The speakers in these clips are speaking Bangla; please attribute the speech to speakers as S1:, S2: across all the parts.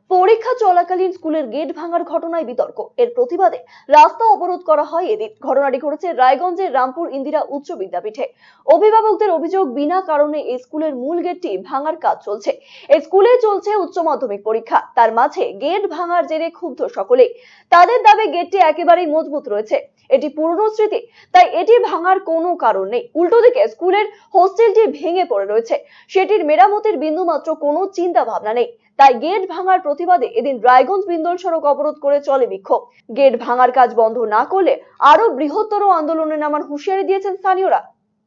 S1: পরীক্ষা চলাকালীন স্কুলের গেট ভাঙার ঘটনায় বিতর্ক। এর প্রতিবাদে রাস্তা অবরোধ করা হয় এদিন। ঘটনাটি ঘটেছে রায়গঞ্জের রামপুর ইন্দিরা উচ্চ বিদ্যাপীঠে। অভিভাবকদের অভিযোগ, বিনা কারণে এই স্কুলের মূল গেটটি ভাঙার কাজ চলছে। এই স্কুলে চলছে উচ্চ মাধ্যমিক পরীক্ষা, তার মাঝে গেট ভাঙার জেরে ক্ষুব্ধ সকলে। তাদের দাবি গেটটি একেবারেই মজবুত রয়েছে, এটি পুরনো স্মৃতি, তাই এটি ভাঙার কোনো কারণ নেই। উল্টো দিকে স্কুলের হোস্টেলটি ভেঙে পড়ে রয়েছে, সেটির মেরামতির বিন্দুমাত্র কোনো চিন্তা ভাবনা নেই। তাই গেট ভাঙার প্রতিবাদে এদিন রায়গঞ্জ বিন্দল সড়ক অবরোধ করে চলে বিক্ষোভ। গেট ভাঙার কাজ বন্ধ না করলে আরো বৃহত্তর আন্দোলনে নামার হুঁশিয়ারি দিয়েছেন স্থানীয়রা।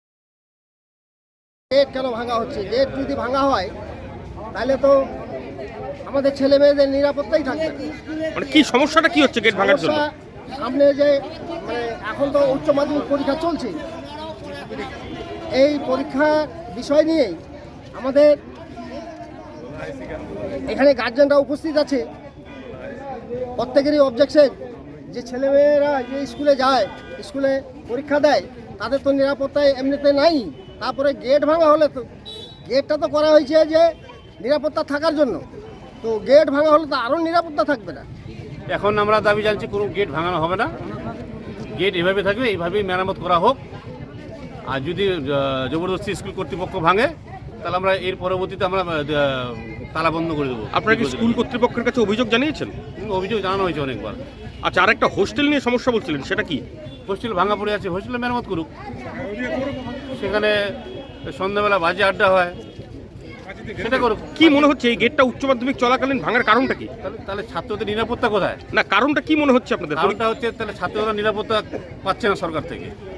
S2: গেট কেন ভাঙা হচ্ছে? গেট যদি ভাঙা হয় তাহলে তো আমাদের ছেলে মেয়েদের নিরাপত্তাই থাকবে না।
S3: মানে কি সমস্যাটা কি হচ্ছে গেট ভাঙার জন্য?
S2: সামনে যে এখন তো উচ্চ মাধ্যমিক পরীক্ষা চলছে, এই পরীক্ষার বিষয় নিয়েই আমাদের এখানে গার্জেনরা উপস্থিত আছে। প্রত্যেকেরই অবজেকশন যে ছেলেমেয়েরা যে স্কুলে যায়, স্কুলে পরীক্ষা দেয়, তাদের তো নিরাপত্তায় এমনিতে নাই। তারপরে গেট ভাঙা হলে তো গেটটা তো করা হয়েছে যে নিরাপত্তা থাকার জন্য, তো গেট ভাঙা হলে তো আরও নিরাপত্তা থাকবে না।
S4: এখন আমরা দাবি জানছি কোনো গেট ভাঙানো হবে না, গেট এভাবে থাকবে, এইভাবেই মেরামত করা হোক। আর যদি জবরদস্তি স্কুল কর্তৃপক্ষ ভাঙে তাহলে আমরা এর পরবর্তীতে আমরা তালা বন্ধ করে দেবো।
S3: আপনারা কি স্কুল কর্তৃপক্ষের কাছে অভিযোগ জানিয়েছেন?
S4: অভিযোগ জানানো হয়েছে অনেকবার।
S3: আচ্ছা, আর একটা হোস্টেল নিয়ে সমস্যা বলছিলেন, সেটা কি?
S4: হোস্টেল ভাঙা পড়ে আছে, হোস্টেলে মেরামত করুক। সেখানে সন্ধ্যাবেলা বাজে আড্ডা হয়, সেটা করুক।
S3: কি মনে হচ্ছে এই গেটটা উচ্চ মাধ্যমিক চলাকালীন ভাঙার কারণটা কি?
S4: তাহলে ছাত্রদের নিরাপত্তা কোথায়?
S3: না, কারণটা কি মনে হচ্ছে আপনাদের?
S4: কারণটা হচ্ছে তাহলে ছাত্ররা নিরাপত্তা পাচ্ছে না সরকার থেকে।